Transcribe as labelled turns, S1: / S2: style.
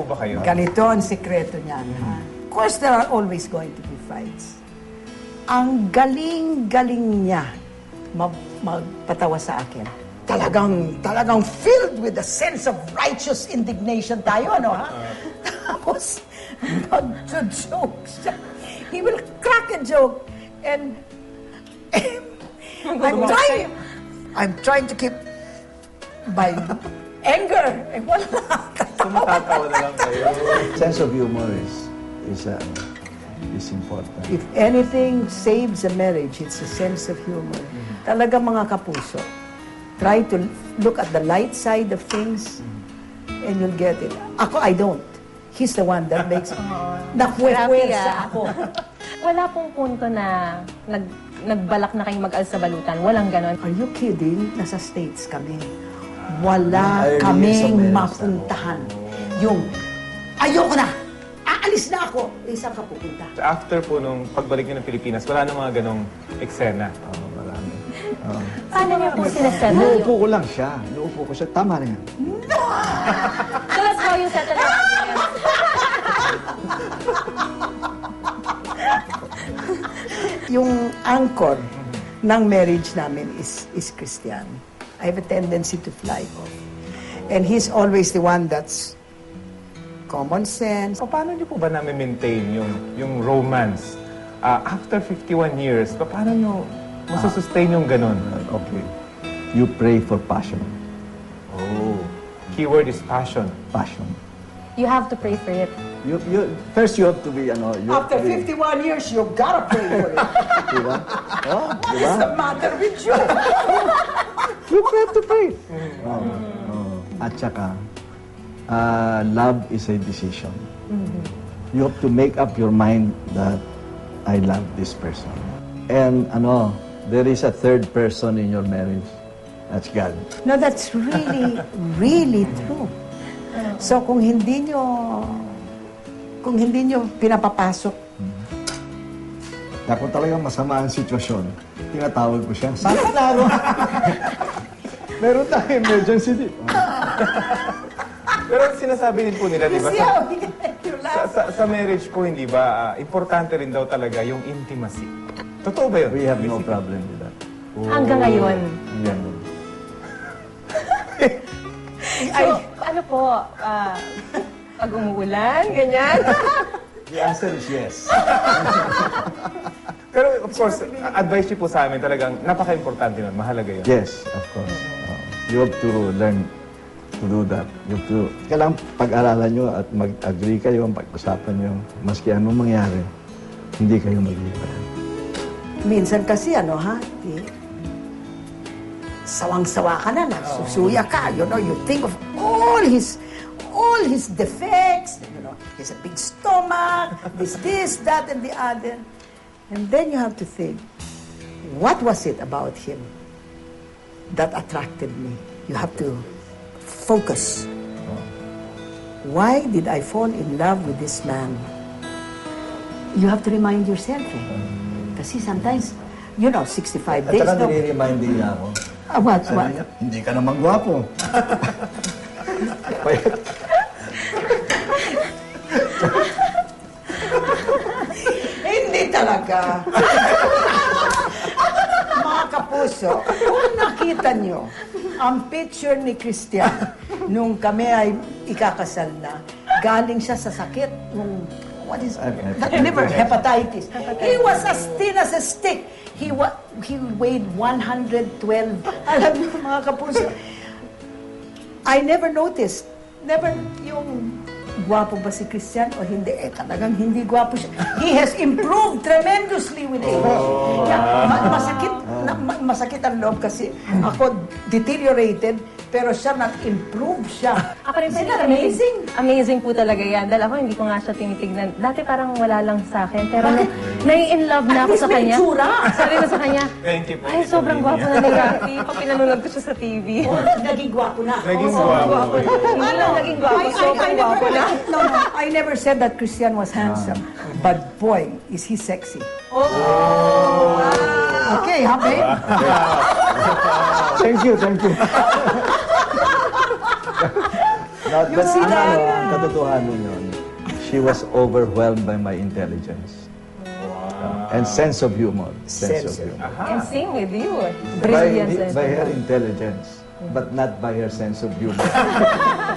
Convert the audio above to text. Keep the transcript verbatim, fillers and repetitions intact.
S1: po ba kayo?
S2: Ganito ang sekreto niyan. Ha? Of course, there are always going to be fights. Ang galing-galing niya mag magpatawa sa akin. Talagang, talagang filled with a sense of righteous indignation tayo, ano ha? Tapos, mag-joke siya. He will crack a joke. And, I'm trying, I'm trying to keep my anger. Eh, wala.
S1: Tumatawa na lang kayo.
S3: Sense of humor is, is, uh, is important.
S2: If anything saves a marriage, it's a sense of humor. Talaga mga kapuso, try to look at the light side of things and you'll get it. Ako, I don't. He's the one that makes me. Nakuwepwersa ako.
S4: Wala pong punto na nag, nagbalak na kayong mag-al sa balutan. Walang ganon.
S2: Are you kidding? Nasa States kami. Wala
S3: Early
S2: kaming
S3: sa
S2: mapuntahan. Yung, ayoko na! Aalis na ako! Eh, saan ka pupunta?
S1: After po nung pagbalik niyo ng Pilipinas, wala na mga ganong eksena.
S3: Oo, marami. Oo.
S4: Paano niyo po sinasettle
S3: Inuupo
S4: yung...
S3: ko lang siya. Inuupo ko siya. Tama na yan.
S4: So that's how you settle your arguments.
S2: Yung anchor ng marriage namin is, is Christian. I have a tendency to fly off. And he's always the one that's common sense.
S1: So, paano niyo po ba namin-maintain yung, yung romance? Ah, after fifty-one years, pa- paano niyo masusustain yung ganon?
S3: Okay. You pray for passion.
S1: Oh. Keyword is passion.
S3: Passion.
S4: You have to pray for it.
S3: You, you, first, you have to be, ano, you have
S2: After
S3: to be,
S2: fifty-one years, you gotta pray for it.
S3: diba? Oh,
S2: What
S3: diba?
S2: is the matter with you?
S3: You have to pray. Oh, oh. At saka, uh, love is a decision. You have to make up your mind that I love this person. And ano, there is a third person in your marriage. That's God.
S2: No, that's really, really true. So kung hindi nyo, kung hindi nyo pinapapasok,
S3: Na kung talagang masama ang sitwasyon, tinatawag ko siya. Bakit laro? Meron tayong emergency dito.
S1: Pero sinasabi din po nila, di ba?
S2: see
S1: Sa,
S2: how you
S1: sa,
S2: laugh?
S1: sa, sa marriage po, hindi ba, ah, importante rin daw talaga yung intimacy. Totoo ba yun?
S3: We have no problem with that.
S4: Hanggang ngayon.
S3: Yan.
S4: So, ano po, ah, pag umuulan, ganyan.
S3: The answer is yes.
S1: Pero of course, advice niyo po sa amin talagang napaka-importante nun. Mahalaga yun.
S3: Yes, of course. Uh, you have to learn to do that. You have to, kailangan pag-aralan nyo at mag-agree kayo, pag-usapan nyo, maski anong mangyari, hindi kayo mag-iwanan.
S2: Minsan kasi ano ha, eh, sawang-sawa ka na, nagsusuya ka, you know, you think of all his, all his defects, you know, he has a big stomach, this, this, that, and the other. And then you have to think, what was it about him that attracted me? You have to focus. Why did I fall in love with this man? You have to remind yourself, eh. Kasi sometimes, you know, sixty-five
S3: At
S2: days.
S3: saka
S2: no?
S3: nire-remind din niya ako.
S2: Ah, what,
S3: Sabi
S2: what?
S3: niya, hindi ka naman gwapo.
S2: Hindi talaga. Mga kapuso, kung nakita nyo ang picture ni Christian nung kami ay ikakasal na, galing siya sa sakit nung, what is it? That liver, hepatitis. He was as thin as a stick. He wa he weighed one hundred twelve. Alam niyo, mga kapuso, I never noticed. Never yung gwapo ba si Christian o hindi? Eh, talagang hindi gwapo siya. He has improved tremendously with age. Kaya, ma- masakit, na, ma- masakit ang loob kasi ako deteriorated, pero siya nag-improve siya.
S4: Ako rin
S2: Isn't
S4: po,
S2: that amazing?
S4: Amazing po talaga yan. Dahil ako hindi ko nga siya tinitignan. Dati parang wala lang sa akin. Pero nung nai-in love na ako
S2: At least
S4: sa
S2: may
S4: kanya.
S2: itsura.
S4: Sabi ko sa kanya,
S1: Thank you po.
S4: ay, sobrang gwapo na ni Rafi. Pag pinanunod ko siya sa T V.
S2: Oh, naging gwapo na.
S1: Naging
S2: Oo,
S1: gwapo.
S4: Hindi lang naging gwapo,
S2: I, I, I
S4: sobrang
S2: never,
S4: gwapo na.
S2: no, no, I never said that Christian was handsome. But boy, is he sexy. Okay, ha, babe?
S3: Thank you, thank you. Not,
S2: You
S3: but
S2: see
S3: ang,
S2: that?
S3: ano, ang katotohanan yun, she was overwhelmed by my intelligence. And sense of humor. Sense,
S2: Sense
S3: of
S2: of-
S3: humor.
S4: And same with you.
S3: By,
S4: Brilliance. and-
S3: by her intelligence, but not by her sense of humor.